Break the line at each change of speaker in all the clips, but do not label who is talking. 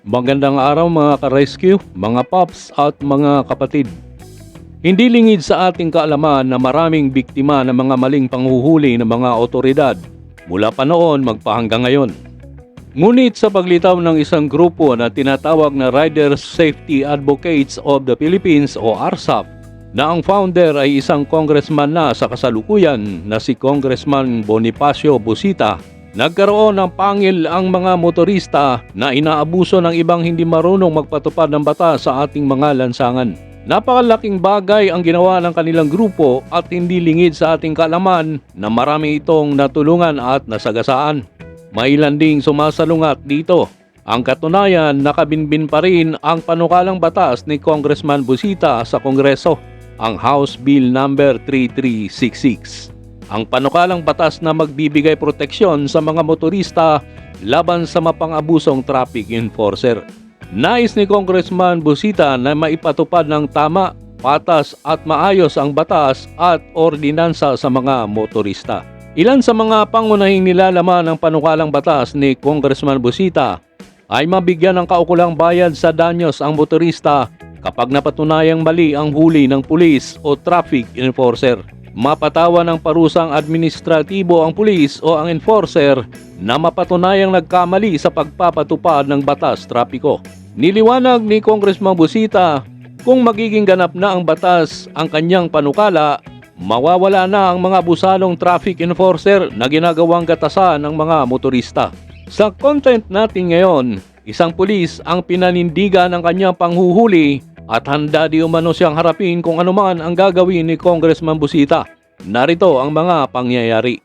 Magandang araw mga ka-rescue, mga pops at mga kapatid. Hindi lingid sa ating kaalaman na maraming biktima ng mga maling panghuhuli ng mga otoridad mula pa noon magpahanggang ngayon. Ngunit sa paglitaw ng isang grupo na tinatawag na Riders Safety Advocates of the Philippines o RSAP, na ang founder ay isang congressman na sa kasalukuyan na si Congressman Bonifacio Busita, nagkaroon ng pangil ang mga motorista na inaabuso ng ibang hindi marunong magpatupad ng batas sa ating mga lansangan. Napakalaking bagay ang ginawa ng kanilang grupo at hindi lingid sa ating kaalaman na marami itong natulungan at nasagasaan. Mailan ding sumasalungat dito. Ang katunayan, nakabinbin pa rin ang panukalang batas ni Congressman Busita sa Kongreso, ang House Bill number 3366. Ang panukalang batas na magbibigay proteksyon sa mga motorista laban sa mapang-abusong traffic enforcer. Nais ni Congressman Busita na maipatupad ng tama, patas at maayos ang batas at ordinansa sa mga motorista. Ilan sa mga pangunahing nilalaman ng panukalang batas ni Congressman Busita ay mabigyan ng kaukulang bayad sa danyos ang motorista kapag napatunayang mali ang huli ng pulis o traffic enforcer. Mapatawan ng parusang administratibo ang pulis o ang enforcer na mapatunayang nagkamali sa pagpapatupad ng batas trapiko. Niliwanag ni Congressman Busita, kung magiging ganap na ang batas ang kanyang panukala, mawawala na ang mga abusadong traffic enforcer na ginagawang gatasan ng mga motorista. Sa content natin ngayon, isang pulis ang pinanindigan ng kanyang panghuhuli at handa di umano siyang harapin kung anuman ang gagawin ni Congressman Busita. Narito ang mga pangyayari.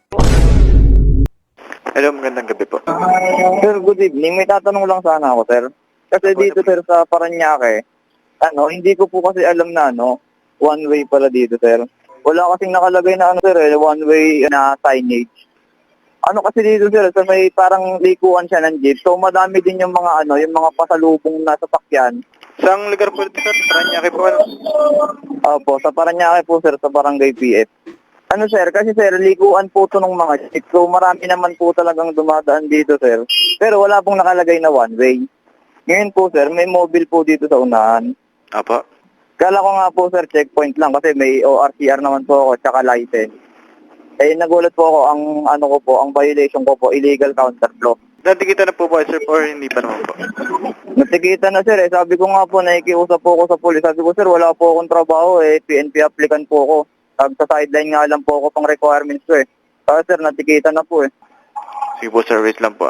Hello, magandang gabi po.
Sir, good evening. May tatanong lang sana ako, sir. Kasi dito, sir, sa Parañaque, hindi ko po kasi alam na, one way pala dito, sir. Wala kasing nakalagay na, sir, one way na signage. Kasi dito, sir, sa may parang likuan siya ng jeep. So, madami din yung mga, yung mga pasalubong na sasakyan.
Saan lugar po ito, sir? Parañaque po,
Opo, sa Parañaque po, sir, sa Barangay PF. Sir, kasi, sir, likuan po ito ng mga jeep. So, marami naman po talagang dumadaan dito, sir. Pero wala pong nakalagay na one way. Ngayon po, sir, may mobile po dito sa unahan.
Apo.
Kala ko nga po, sir, checkpoint lang kasi may ORCR naman po ako, tsaka license. Nagulat po ako, ang violation ko po, illegal counterflow.
Natikita na po ba, sir, or hindi pa naman po?
Natikita na, sir, Sabi ko nga po, nakikiusap po ako sa pulis. Sabi ko, sir, wala po akong trabaho, PNP applicant po ako. Sa sideline nga lang po ako pang requirements ko, Kaya, sir, natikita na po,
Sige po, sir, wait lang po,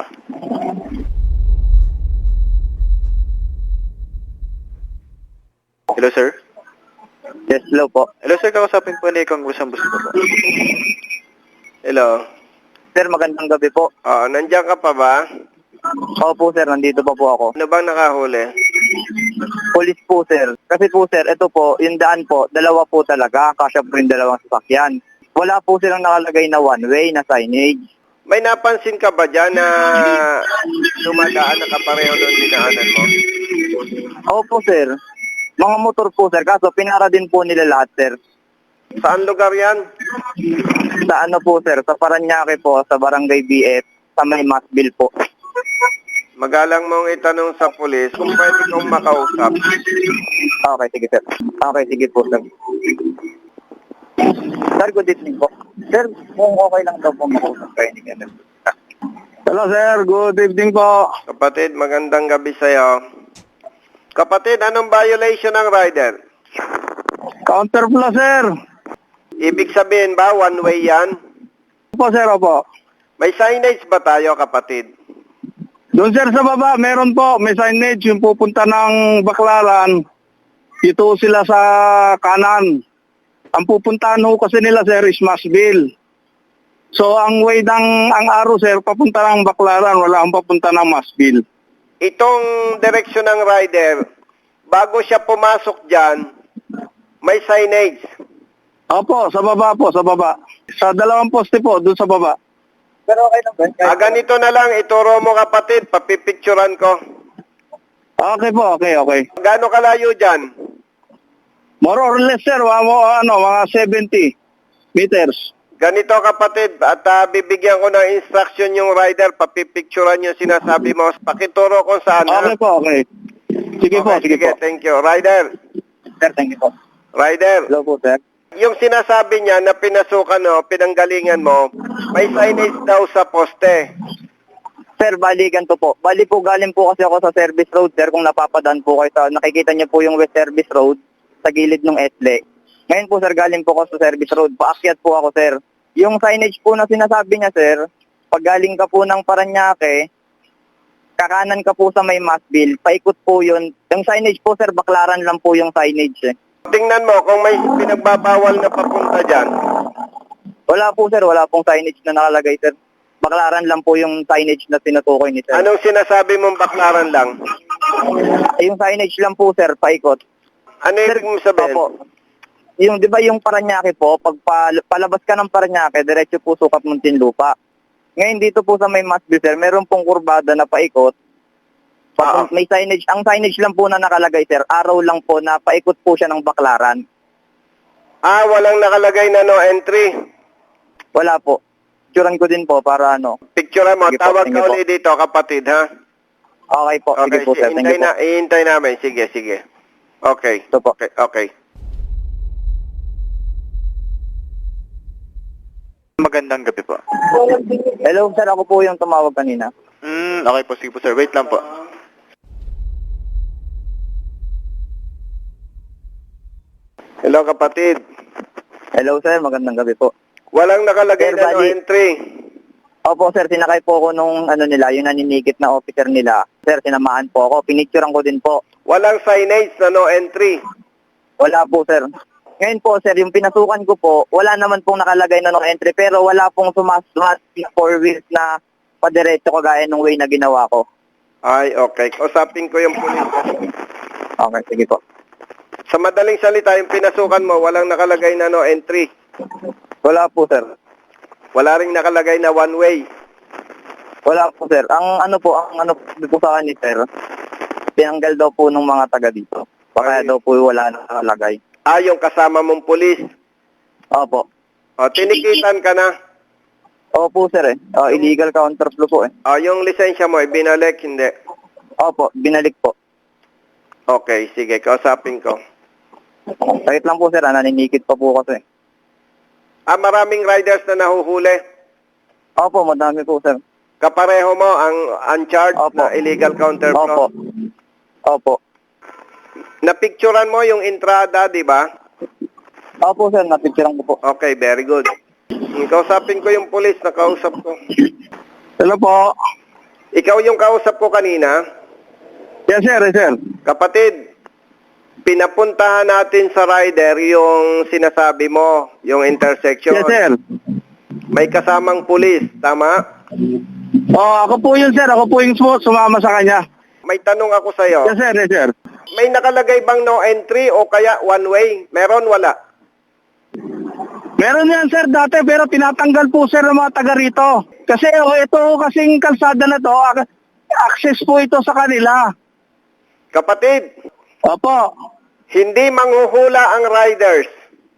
Hello, sir?
Yes, hello po.
Hello, sir, kausapin po ni Congressman Busita po. Hello?
Sir, magandang gabi po.
Nandiyan ka pa ba?
Opo, sir, nandito pa po ako.
Ano bang nakahuli?
Police po, sir. Kasi po, sir, ito po, yung daan po, dalawa po talaga. Kasya po yung dalawang sasakyan. Wala po silang nakalagay na one way, na signage.
May napansin ka ba dyan na dumadaan na kapareho ng dinaanan mo?
Opo, sir. Mga motor po, sir. Kaso pinara din po nila lahat, sir.
Saan lugar yan?
Sa po, sir? Sa Parañaque po, sa Barangay BF, sa may Masbil po.
Magalang mong itanong sa pulis kung pwede kong makausap.
Okay, sige, sir. Okay, sige po, sir. Sir, good evening po. Sir, kung okay lang daw po makausap kayo ni Kenneth. Hello, sir. Good evening po.
Kapatid, magandang gabi sa'yo. Kapatid, anong violation ng rider?
Counterflow, sir.
Ibig sabihin ba, one way yan?
Opo, sir, opo.
May signage ba tayo, kapatid?
Doon, sir, sa baba, meron po. May signage yung pupunta ng Baclaran. Dito sila sa kanan. Ang pupuntahan ho kasi nila, sir, is Masbil. So, ang way ang araw, sir, papunta ng Baclaran. Wala ang papunta ng Masbil.
Itong direksyon ng rider, bago siya pumasok dyan, may signage.
Opo, sa baba po, sa baba. Sa dalawang poste po, doon sa baba. Pero okay lang ba?
Ganito na lang, ituro mo kapatid, papipicturan ko.
Okay po, okay.
Gaano kalayo dyan?
More or less, sir, mga 70 meters.
Ganito kapatid, at bibigyan ko ng instruction yung rider, papipicturean yung sinasabi mo. Pakituro kung saan. ha?
Okay po, okay. Sige po, sige po.
Thank you. Rider,
Sir, thank you po.
rider,
Hello po, sir.
yung sinasabi niya na pinasukan mo, pinanggalingan mo, may signage daw sa poste.
Sir, bali ganito po. Bali po, galing po kasi ako sa service road, sir, kung napapadaan po kayo sa, nakikita niyo po yung West Service Road sa gilid ng Etle. Ngayon po, sir, galing po ako sa service road. Paakyat po ako, sir. Yung signage po na sinasabi niya, sir, pag galing ka po ng Paranaque, kakanan ka po sa may Masville, paikot po yun. Yung signage po, sir, baklaran lang po yung signage, eh.
Tingnan mo kung may pinagbabawal na papunta dyan.
Wala po, sir. Wala pong signage na nakalagay, sir. Baklaran lang po yung signage na tinutukoy ni sir.
Anong sinasabi mong baklaran lang?
Yung signage lang po, sir, paikot.
Ano ibig mong sabihin?
Opo. Yung, di ba yung Paranaque po, pag palabas ka ng Paranaque, diretso po sukat Muntinlupa. Ngayon dito po sa may Masville, sir, meron pong kurbada na paikot. May signage, ang signage lang po na nakalagay, sir, araw lang po na paikot po siya ng baklaran.
Walang nakalagay na no entry.
Wala po. Picturean ko din po para ano.
Picture mo,
Sige po,
tawag
sige
ka
po.
ulit dito, kapatid, ha?
Okay po, sige po, sir. Thank you po.
Ihintay namin. Sige, sige. Okay.
Ito po.
Okay, okay.
Magandang gabi po.
Hello, sir, ako po yung tumawag kanina.
Okay po, sige po sir. Wait lang po.
Hello, kapatid.
Hello, sir, magandang gabi po.
Walang nakalagay
Sir,
na no
bali-
entry.
Opo, sir, sinakay po ako nung ano nila, yung naninigit na officer nila. Sir, sinamaan po ako. Pinicturean ko din po.
Walang signage na no entry.
Wala po, sir. Ngayon po, sir, yung pinasukan ko po, wala naman pong nakalagay na no entry, pero wala pong sumasmat na 4 wheels na padiretso kagaya nung way na ginawa ko.
Ay, okay. Kausapin ko yung pulis.
Okay, sige po.
Sa madaling salita, yung pinasukan mo, walang nakalagay na no entry.
Wala po, sir.
Wala ring nakalagay na one way.
Wala po, sir. Ang ano po sa akin, sir, tinanggal daw po ng mga taga dito. Kaya
Ay.
daw po wala nakalagay.
Yung kasama mong pulis.
Opo.
Tinikitan ka na.
Opo, sir, eh. Illegal counterflow po, eh.
Yung lisensya mo, binalik, hindi.
Opo, binalik po.
Okay, sige, kausapin ko.
Sakit lang po, sir. Naninikit pa po kasi.
Maraming riders na nahuhuli.
Opo, madami po, sir.
Kapareho mo ang uncharged
Opo.
na illegal
Opo.
counterflow.
Opo.
Napicturan mo yung entrada, di ba?
Opo, sir. Napicturean ko po.
Okay, very good. Kausapin ko yung pulis na kausap ko.
Hello po.
Ikaw yung kausap ko kanina.
Yes, sir. Yes, sir.
Kapatid, pinapuntahan natin sa rider yung sinasabi mo, yung intersection.
Yes, sir.
May kasamang pulis, tama?
Ako po yun, sir. Ako po yung sumama sa kanya.
May tanong ako sa'yo.
Yes, sir. Yes, sir.
May nakalagay bang no entry o kaya one way? Meron, wala?
Meron yan, sir, dati, pero tinatanggal po, sir, ng mga taga rito. Kasi ito kasing kalsada na to, access po ito sa kanila.
Kapatid,
Opo.
hindi manghuhula ang riders.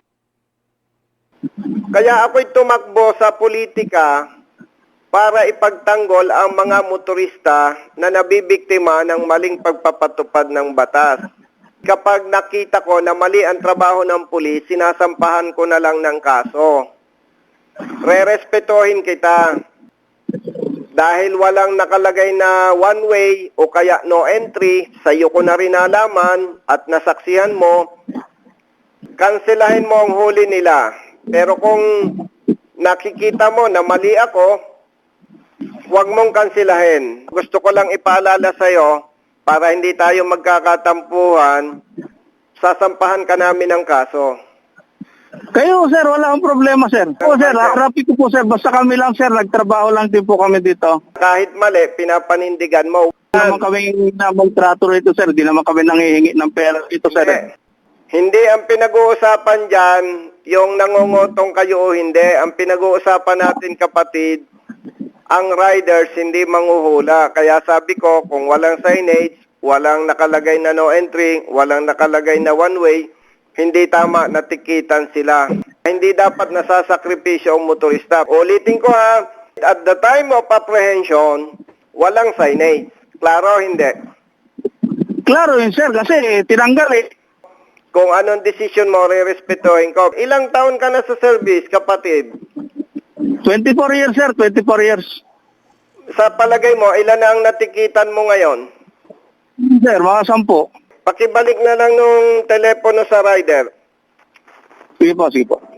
Kaya ako'y tumakbo sa politika para ipagtanggol ang mga motorista na nabibiktima ng maling pagpapatupad ng batas. Kapag nakita ko na mali ang trabaho ng pulis, sinasampahan ko na lang ng kaso. Rerespetohin kita. Dahil walang nakalagay na one way o kaya no entry, sa'yo ko na rin nalaman at nasaksihan mo, kanselahin mo ang huli nila. Pero kung nakikita mo na mali ako, huwag mong kanselahin. Gusto ko lang ipaalala sa'yo, para hindi tayo magkakatampuhan, sasampahan ka namin ng kaso.
Kayo, sir, wala akong problema, sir. O, sir, harapin ko po, sir. Basta kami lang, sir. Nagtrabaho lang din po kami dito.
Kahit mali, pinapanindigan mo.
Hindi naman kami magtrato rito, sir. Hindi naman kami nangihingi ng pera ito, sir.
Hindi ang pinag-uusapan dyan, yung nangungutong kayo o hindi. Ang pinag-uusapan natin, kapatid, ang riders hindi manghuhula. Kaya sabi ko, kung walang signage, walang nakalagay na no entry, walang nakalagay na one way, hindi tama na tikitan sila. Hindi dapat nasasakripisyo ang motorista. Ulitin ko ha, at the time of apprehension, walang signage. Klaro o hindi?
Klaro yun, sir, kasi tinanggal eh.
Kung anong desisyon mo, re-respetuhin ko. Ilang taon ka na sa service, kapatid?
24 years, sir, 24 years.
Sa palagay mo, ilan na ang natikitan mo ngayon?
Sir, mga 10.
Pakibalik na lang nung telepono sa rider.
Sige po, sige po.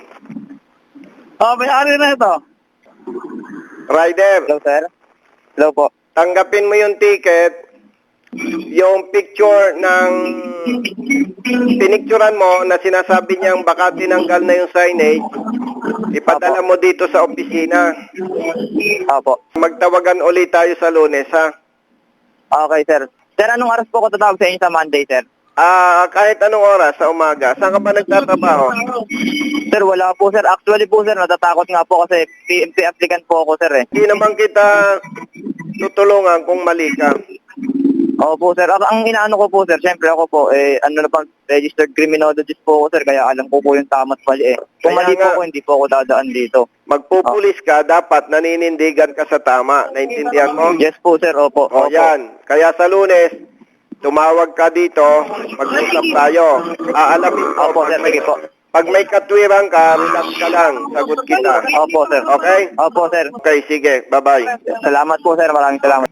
May-ari na ito.
Rider,
Hello, sir? Hello po.
tanggapin mo yung ticket, yung picture ng pinicturan mo na sinasabi niyang baka tinanggal na yung signage, ipadala mo dito sa opisina.
Opo.
Magtawagan ulit tayo sa Lunes, ha?
Okay, sir. Sir, anong oras po ko tatawag sa inyo sa Monday, sir?
Kahit anong oras sa umaga. Saan ka ba nagtatrabaho?
Sir, wala po, sir. Actually po, sir, natatakot nga po kasi PMP applicant po ako, sir, eh.
Hindi naman kita tutulungan kung mali ka.
Opo, sir. Ang inaano ko po, sir, syempre ako po, registered criminologist po ako, sir, kaya alam ko po yung tama at mali, eh. Kung
Kaya
mali po
nga.
ako, hindi po ako dadaan dito.
Magpupulis ka, dapat naninindigan ka sa tama. Naintindihan mo?
Yes po, sir. Opo.
O yan. Kaya sa Lunes, tumawag ka dito, mag-usap tayo. Aalamin ko.
Opo, sir. Sige po.
Pag may katwiran ka, relax ka lang. Sagot kita.
Opo, sir.
Okay?
Opo, sir.
Okay, sige. Bye-bye.
Salamat po, sir. Maraming salamat.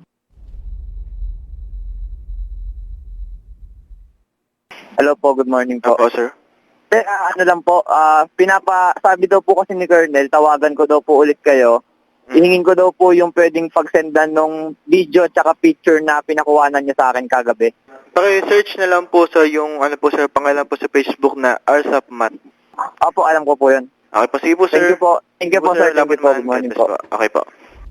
Hello po, good morning po.
Opo, sir.
Sir, ano lang po, sabi daw po kasi ni Colonel, tawagan ko daw po ulit kayo. Ihingin ko daw po yung pwedeng pagsendan ng video at saka picture na pinakuhanan niya sa akin kagabi.
Paki-search na lang po sa yung, pangalan po sa Facebook na RSAP Mat.
Opo, alam ko po yun.
Okay po, sige po, sir.
Thank you po. Thank you po, sir. Thank you po. Good morning po.
Okay po.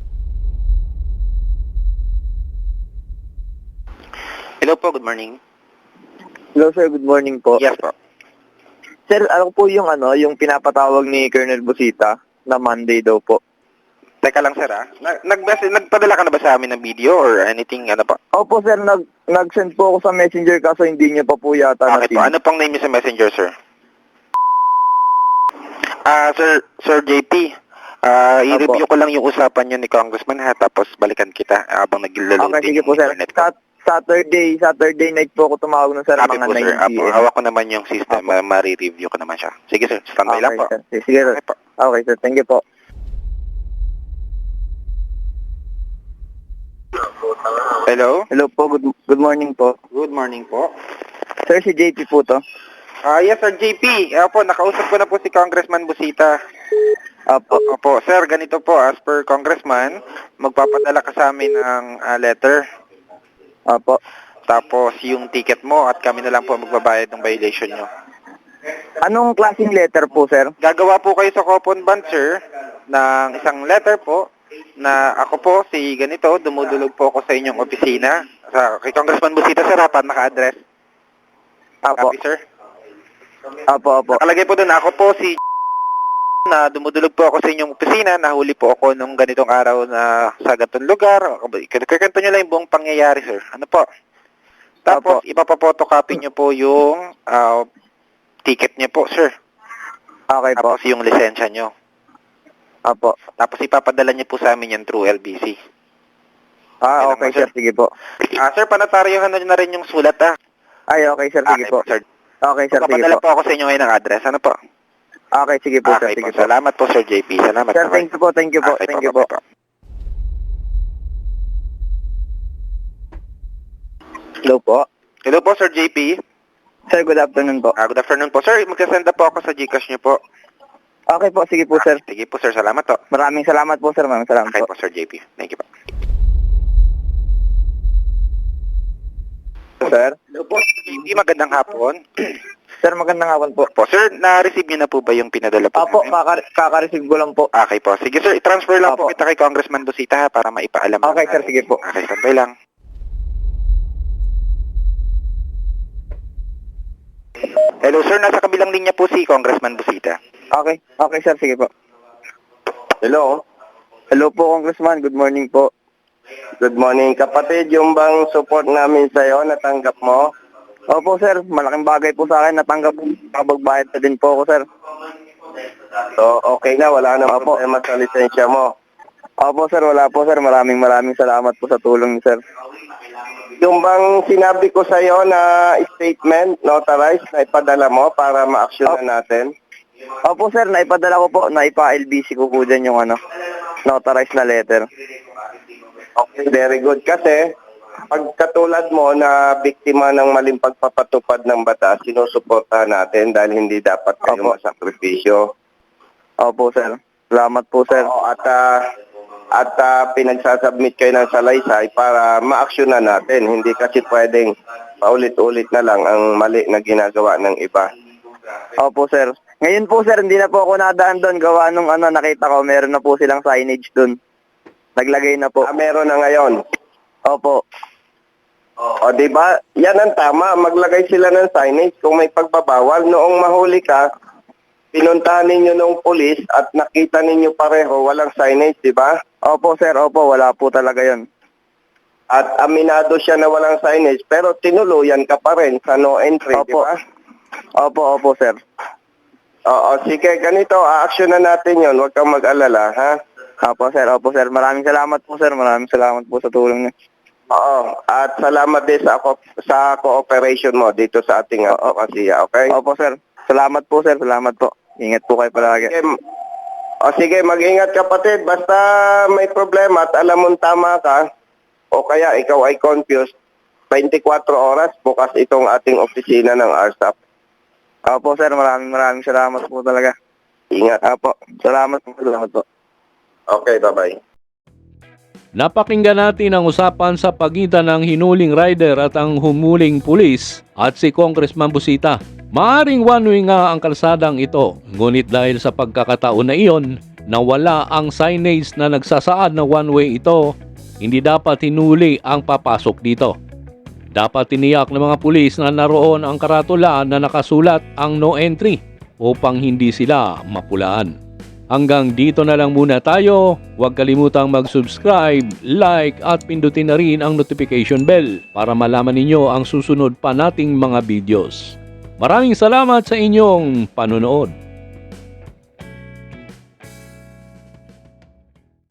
Hello po, good morning.
Hello, sir. Good morning po.
Yes po.
Sir, alam po yung yung pinapatawag ni Colonel Busita na Monday daw po.
Teka lang, sir, nagpadala ka na ba sa amin ng video or anything, po?
Opo, sir. Nag-send po ako sa Messenger kaso hindi niyo pa po yata
Okay po, ano pong name niyo sa Messenger, sir? Sir JP, i-review ko lang yung usapan niyo ni Congressman, ha, tapos balikan kita habang nag-loading
Okay, sige po, sir.
internet ko.
Saturday night po ako tumawag nun, sir,
Happy
mga
po,
9
sir.
p.m.
Hawak ko naman yung system, ma-review ko naman siya. Sige, sir, standby lang po.
Sir. Sige, sir.
Okay po.
Okay, sir. Thank you po.
Hello?
Hello po. Good morning po.
Good morning po.
Sir, si JP po to.
Yes, sir, JP. Opo, nakausap ko na po si Congressman Busita. Opo, sir, ganito po, as per Congressman, magpapadala ka sa amin ng letter.
Opo.
Tapos yung ticket mo at kami na lang po magbabayad ng violation nyo.
Anong klaseng letter po, sir?
Gagawa po kayo sa coupon bond, sir, ng isang letter po na ako po, si ganito, dumudulog po ako sa inyong opisina. Kay Congressman Busita, sir, dapat naka-address.
Opo.
Copy, sir.
Opo.
Nakalagay po doon, ako po si na dumudulog po ako sa inyong opisina, nahuli po ako nung ganitong araw na sa ganitong lugar. Kwento nyo lang yung buong pangyayari, sir. Ano po? Tapos, ipapapotocopy nyo po yung ticket nyo po, sir.
Okay po.
Tapos yung lisensya nyo.
Opo.
Tapos ipapadala nyo po sa amin yan through LBC.
Okay, sir. Sige po.
Sir, panataryohan na rin yung sulat,
Ay, okay, sir. Sige po.
Sir.
Okay, sir. Sige
Papadala
po.
po ako sa inyo ngayon ng address. Ano po?
Okay, sige po, sir.
Okay
Sige
po.
po.
Salamat po, Sir JP. Salamat.
Sir, thank you po. Thank you po.
Okay
Thank you po.
bye-bye.
Hello po.
Hello po, Sir JP.
Sir, good afternoon po.
Good afternoon po. Sir, magsasend na po ako sa Gcash niyo po.
Okay po. Sige po, sir.
Sige po, sir. Salamat po.
Maraming salamat po, sir. Maraming salamat
Okay
po.
po, Sir JP. Thank you po.
Sir?
Hello po, Sir JP. Magandang hapon.
Sir, magandang hapon po.
Po, sir, na-receive niyo na po ba yung pinadala po
Opo,
namin?
kaka-receive ko lang po.
Okay po. Sige, sir. I-transfer lang po
Opo.
kita kay Congressman Busita, ha, para maipaalam.
Okay, sir. Sige po.
Okay, standby lang. Hello, sir. Nasa kabilang linya po si Congressman Busita.
Okay. Okay, sir. Sige po. Hello? Hello po, Congressman. Good morning po.
Good morning, kapatid. Yung bang support namin sa'yo, natanggap mo?
Opo, sir. Malaking bagay po sa akin. Natanggap po. Kabagbayad na din po ako, sir.
So, okay na, wala na problema sa lisensya mo.
Opo sir, wala po sir. Maraming salamat po sa tulong niyo sir.
Yung bang sinabi ko sa iyo na statement, notarized, na ipadala mo para ma-action na natin?
Opo sir, naipadala ko po, naipa-LBC ko po dyan yung notarized na letter.
Okay, very good. Kasi, pag katulad mo na biktima ng maling pagpapatupad ng batas, sinusuportahan natin dahil hindi dapat kayo
Opo.
masakripisyo.
Opo sir. Salamat po sir.
Oo, at pinagsasubmit kayo ng salaysay para ma-actionan natin. Hindi kasi pwedeng paulit-ulit na lang ang mali na ginagawa ng iba.
Opo sir. Ngayon po sir, hindi na po ako nadaan doon. Gawa nung nakita ko, meron na po silang signage doon. Naglagay na po.
Meron na ngayon.
Opo.
O, di ba? Yan ang tama. Maglagay sila ng signage kung may pagbabawal. Noong mahuli ka, pinuntahan ninyo ng pulis at nakita ninyo pareho, walang signage, di ba?
Opo sir, opo. Wala po talaga yon.
At aminado siya na walang signage, pero tinuluyan ka pa rin sa no entry, di
Opo.
ba?
Opo sir.
Oo, sige, ganito, a-action na natin yon. Huwag kang mag-alala, ha?
Opo sir. Maraming salamat po sir. Maraming salamat po sa tulong niyo.
Oo, at salamat din sa cooperation mo dito sa ating advokasya, okay?
Opo sir. Salamat po sir. Salamat po. Ingat po kayo palagi.
Sige, mag-ingat kapatid. Basta may problema at alam mong tama ka, o kaya ikaw ay confused, 24 oras bukas itong ating opisina ng RSAP.
Opo sir. Maraming salamat po talaga.
Ingat.
Opo. Salamat po.
Okay, bye-bye.
Napakinggan natin ang usapan sa pagitan ng hinuling rider at ang humuling pulis at si Congressman Busita. Maaring one-way nga ang kalsadang ito, ngunit dahil sa pagkakataon na iyon, nawala ang signage na nagsasaad na one-way ito, hindi dapat hinuli ang papasok dito. Dapat tiniyak ng mga pulis na naroon ang karatula na nakasulat ang no entry upang hindi sila mapulaan. Hanggang dito na lang muna tayo. Huwag kalimutang mag-subscribe, like at pindutin na rin ang notification bell para malaman ninyo ang susunod pa nating mga videos. Maraming salamat sa inyong panonood.